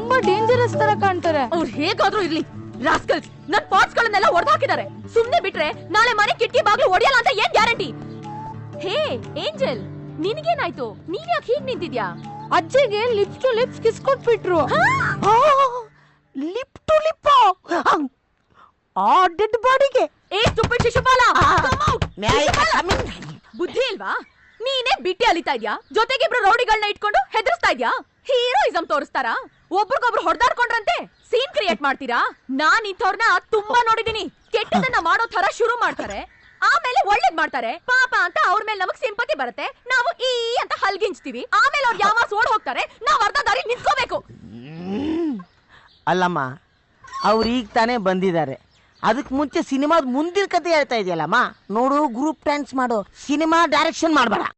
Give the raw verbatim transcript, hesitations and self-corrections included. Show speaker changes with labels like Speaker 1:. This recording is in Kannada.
Speaker 1: ತುಂಬಾ ಡೇಂಜರಸ್ ತರ ಕಾಣ್ತಾರೆ.
Speaker 2: ಅವ್ರು ಹೇಗಾದ್ರೂ ಇರ್ಲಿ, ರಾಸ್ಕಲ್ಸ್ ನನ್ ಪಾರ್ಟ್ಸ್ ಗಳನ್ನೆಲ್ಲ ಒಡೆದು ಹಾಕಿದ್ದಾರೆ. ಸುಮ್ನೆ ಬಿಟ್ರೆ ನಾಳೆ ಮನೆ ಕಿಟಕಿ ಬಾಗ್ಲು ಒಡೆಯಲ್ಲ ಅಂತ ಏನ್ ಗ್ಯಾರಂಟಿ? ಹೇ ಏಂಜಲ್, ನಿನಗೇನಾಯ್ತು? ನೀನ್ ಯಾಕೆ ಹೀಗ್ ನಿಂತಿದ್ಯಾ?
Speaker 1: ಅಜ್ಜಿಗೆ ಲಿಪ್ಸ್ ಟು ಲಿಪ್ಸ್ ಕಿಸ್ ಕೊಟ್ಬಿಟ್ರು.
Speaker 3: ಲಿಪ್ ಟು ಲಿಪ್ ಆ ಡೆಡ್ ಬಾಡಿಗೆ.
Speaker 2: ಏ ಸ್ಟುಪಿಡ್ ಶಿಶುಪಾಲ, ಬುದ್ಧಿ ಇಲ್ವಾ? ನೀನೇ ಬಿಟ್ಟಿ ಅಲಿತಾ ಇದ್ಯಾ, ಜೊತೆಗೆ ಇಬ್ರು ರೌಡಿಗಳನ್ನ ಇಟ್ಕೊಂಡು ಹೆದರ್ಸ್ತಾ ಇದ್ಯಾ? ಹೀರೋಯಿಸಂ ತೋರಿಸ್ತಾರಾ? ಒಬ್ರಿಗೊಬ್ರು ಹೊಡೆದಾಡ್ಕೊಂಡ್ರಂತೆ ಸೀನ್ ಕ್ರಿಯೇಟ್ ಮಾಡ್ತೀರಾ? ನಾನ್ ಇಂಥವ್ರನ್ನ ತುಂಬಾ ನೋಡಿದೀನಿ. ಕೆಟ್ಟದನ್ನ ಮಾಡೋ ತರ ಶುರು ಮಾಡ್ತಾರೆ, ಆಮೇಲೆ ಒಳ್ಳೇದ್ ಮಾಡ್ತಾರೆ. ಪಾಪ ಅಂತ ಅವ್ರ ಮೇಲೆ ನಮಗ್ ಸಿಂಪತಿ ಬರುತ್ತೆ, ನಾವು ಈ ಅಂತ ಹಲ್ಗಿಂಚ್ತೀವಿ. ಆಮೇಲೆ ಅವ್ರು ಯಾವ ಓಡ್ ಹೋಗ್ತಾರೆ, ನಾವ್ ಅರ್ಧ ದಾರಿ ನಿಂತ್ಕೋಬೇಕು.
Speaker 3: ಅಲ್ಲಮ್ಮ, ಅವ್ರು ಈಗ ತಾನೇ ಬಂದಿದ್ದಾರೆ. ಅದಕ್ಕೆ ಮುಂಚೆ ಸಿನಿಮಾದ ಮುಂದಿನ ಕತೆ ಹೇಳ್ತಾ ಇದೆಯಲ್ಲಮ್ಮ. ನೋಡು, ಗ್ರೂಪ್ ಡ್ಯಾನ್ಸ್ ಮಾಡು, ಸಿನಿಮಾ ಡೈರೆಕ್ಷನ್ ಮಾಡಬೇಡ.